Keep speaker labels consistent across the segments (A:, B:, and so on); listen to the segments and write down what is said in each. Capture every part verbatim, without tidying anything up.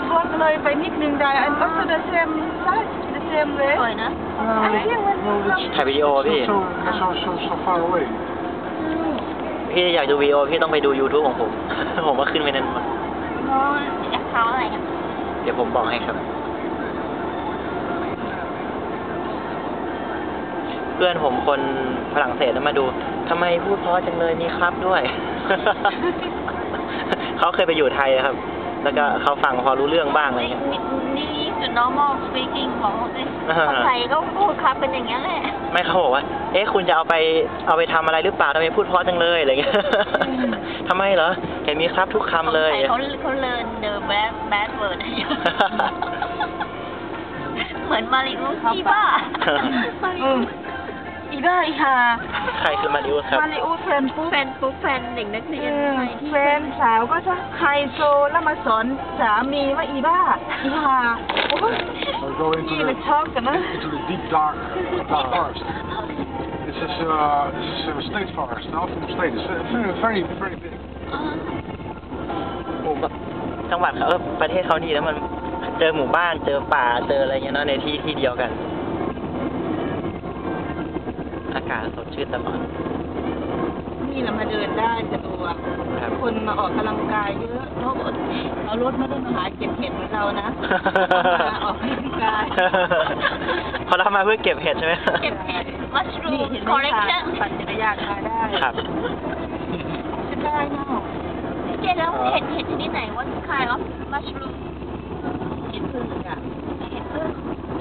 A: close เลยไปนิดนึงได้ and also the same size the same way
B: สวยนะ
C: ถ่ายวิดีโอพี่
D: So, so, so, so far away.
C: พี่อยากดูวิดีโอพี่ต้องไปดู YouTube ของผม ผมก็ขึ้นไปนั้นหมด
B: อ๋อแอคเคาท์อะไรอ่ะ
C: เดี๋ยวผมบอกให้ครับ เพื่อนผมคนฝรั่งเศสมาดูทำไมพูดเพราะจังเลยนี่ครับด้วย เขาเคยไปอยู่ไทยครับ แล้วก็เขาฟังพอรู้เรื่องบ้างอะไรเงี้ย
B: นี่นี่คือ normal speaking ของเขาสิคนไทยก็พูดครับเป็นอย่างเงี้ยแหละ
C: ไม่เขาบอกว่า เอ๊ะคุณจะเอาไปเอาไปทำอะไรหรือเปล่าทำไมพูดเพราะจังเลยอะไรเงี้ย ทำไมเหรอเห็นมีครับทุกคำเลย
B: เขาเขาเรียน the bad bad word เหมือนมาริอุสอีบ้ามาริอุสอีบ้าอีฮา
C: ใครคือมาริอุสครับ
A: มาริอุสแฟนปุ๊บ
B: แฟนปุ๊บแฟนเด็กนักเรียนที่
A: แฟนสาวก็จะไฮโซแล้วมาสอนสามีว่าอีบ้าอีฮาโอ้ย
D: We'll go into
A: นี่มัน
D: the,
A: ชอบกันนะ
D: into the deep dark, dark forest. This is, uh, this is uh, state forest, the Alphen State. It's uh, very, very, very big.
C: หมู่บ้านจังหวัดเขาเออประเทศเขาดีแล้วมันเจอหมู่บ้านเจอป่าเจออะไรเงี้ยเนาะในที่ที่เดียวกัน อากาศสดชื่นตลอด
A: นี่เรามาเดินได้สะดวก
C: ครับ
A: คนมาออกกำลังกายเยอะเขาเอารถไม่ได้มาหาเก็บเห็ดเหมือนเรานะมาออกกำลังกาย
C: พอเรามาเพื่อเก็บเห็ดใช่ไหม
B: เก็บเห็ด
A: นี่
B: mushroom
A: เห็นไหมคะ
B: collection
A: ปั่นจักรยานมาได้
C: ครับ
A: จะได้เนาะ
B: เจ๊แล้วเห็ดเห็ดชนิดไหน what kind of mushroom
A: เห็ดพึ่งอ่ะ
B: เห็ดพึ่ง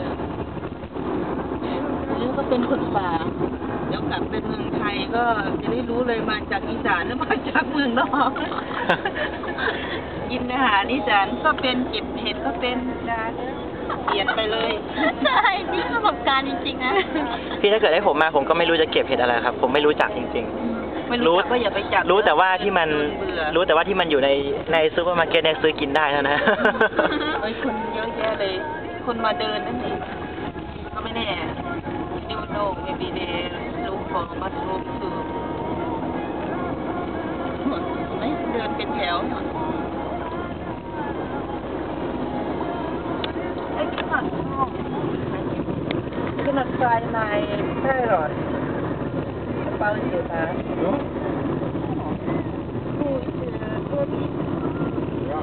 A: แล้วก็เป็นคนป่าเดี๋ยวกลับไปเมืองไทยก็จะได้รู้เลยมาจากอีสานหรือมาจากเมืองนอก กินอาหารอีสานก็เป็นเก็บเห็ดก็เป็นนะเปลี่ยนไปเลย
B: ใช่นี่ประสบการณ์จริงๆนะ
C: พี่ถ้าเกิดให้ผมมาผมก็ไม่รู้จะเก็บเห็ดอะไรครับ ผมไม่รู้จักจริง
A: ไม่
C: รู้
A: รู้จักก็อย่าไปจับ
C: ๆ รู้แต่ว่าที่มัน
A: เบื่อ
C: รู้แต่ว่าที่มันอยู่ในในซูเปอร์มาร์เก็ตเนี่ยซื้อกินได้เท่านั้น
A: เอ้ยคนเยอะแยะเลย คนมาเดินนั่นเองก็ไม่แน่ดูโน่ไม่มีเดลูกของมัสลูมคือไม่เดินเป็นแถวไอ้ขนาดนอกขนาดไฟในแค่หรอดกระเป๋าเสียตา
D: Ja?
A: ผู้เจอตัวนี้
D: Ja.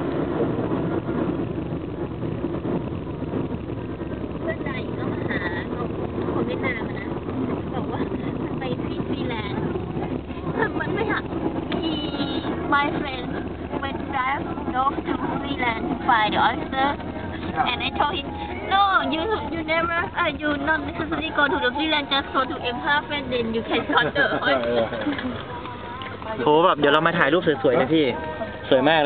B: เพื่อนใจก็มาหาคนเวียดนามนะบอกว่ามันไปที่ฟินแลนด์มันไม่หา he my friend went drive off to Finland to find the oyster and I told him no you you never uh, you not necessarily go to the Finland just go to Emhaven then you can cut the oyster
C: โหแบบเดี๋ยวเรามาถ่ายรูปสวยๆนะพี่ สวยมากเลย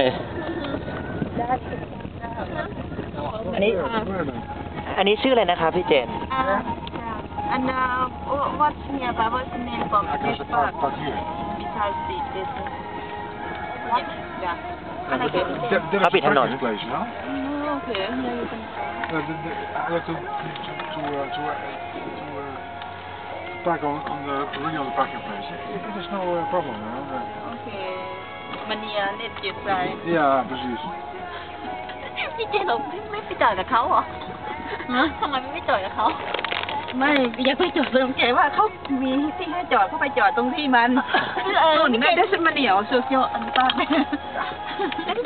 C: อันนี้ อันนี้ชื่ออะไรนะครับพี่เจน
A: Uh, and uh, what's nearby? What's the name of
D: There's
A: this
D: a
A: park?
D: park, park here.
A: Besides the this. What? Yeah.
D: That, that, that
C: Happy
D: is a
C: Hanon.
D: practice place, you know?
A: Oh, okay. Yeah, you can try.
D: Uh, the, the, I have to to to uh, to, uh, to uh, park on, on the really on the parking place. It, it is no uh, problem, you know. Uh,
A: Okay. Mania net jet side.
D: ja, precies.
B: พี่เจนเราไม่ไปจอดกับเขาเหรอทำไมไม่ไปจอดกับเขา
A: ไม่อยากไปจอดตรงแกว่าเขามีที่ให้จอดเขาไปจอดตรงที่มัน
B: เออ
A: โน่นนี่แม่ได้ฉันมาเหนียวสุดยอดอันตราย